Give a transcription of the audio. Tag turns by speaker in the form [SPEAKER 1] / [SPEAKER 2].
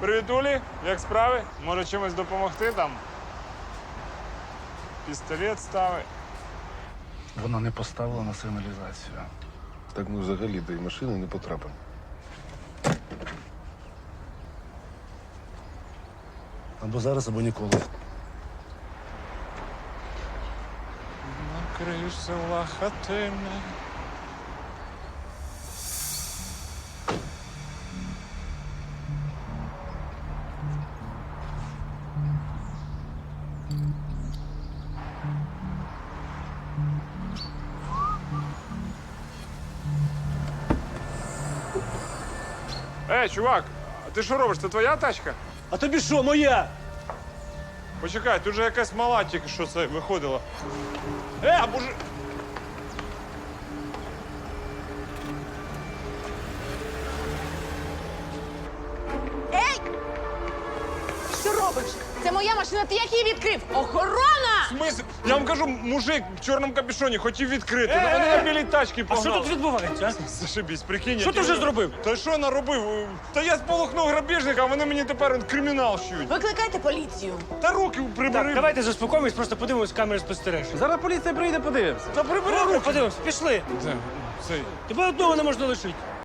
[SPEAKER 1] Привіт, Улі. Як справи? Може чимось допомогти там? Пістолет ставить.
[SPEAKER 2] Вона не поставила на сигналізацію.
[SPEAKER 3] Так ми взагалі до її машини не потрапимо.
[SPEAKER 2] Або зараз, або ніколи.
[SPEAKER 1] На криш села хатине. Чувак, а ти що робиш? Це твоя тачка?
[SPEAKER 4] А тобі що, моя?
[SPEAKER 1] Почекай, тут же якась мала тільки що це виходила. А боже.
[SPEAKER 5] Що робиш? Це моя машина, ти як її відкрив? Охорона!
[SPEAKER 1] Смисл? Я вам кажу, мужик в чорному капюшоні хотів відкрити. Ну вони на білій тачці
[SPEAKER 4] А
[SPEAKER 1] погнали.
[SPEAKER 4] що тут відбувається? а?
[SPEAKER 1] Зашибісь, прикинь.
[SPEAKER 4] Що ти вже зробив?
[SPEAKER 1] Та що наробив? Та я сполохнув грабіжника, а вони мені тепер кримінал щують.
[SPEAKER 5] Викликайте поліцію.
[SPEAKER 1] Та руки прибери.
[SPEAKER 4] Так, давайте заспокоїмось, просто подивимось камери спостереження.
[SPEAKER 6] Зараз поліція прийде, подивимося.
[SPEAKER 1] Та прибери руки.
[SPEAKER 4] Подивимось, пішли.
[SPEAKER 1] Це, цей.
[SPEAKER 4] Тебе одного не можна лишити.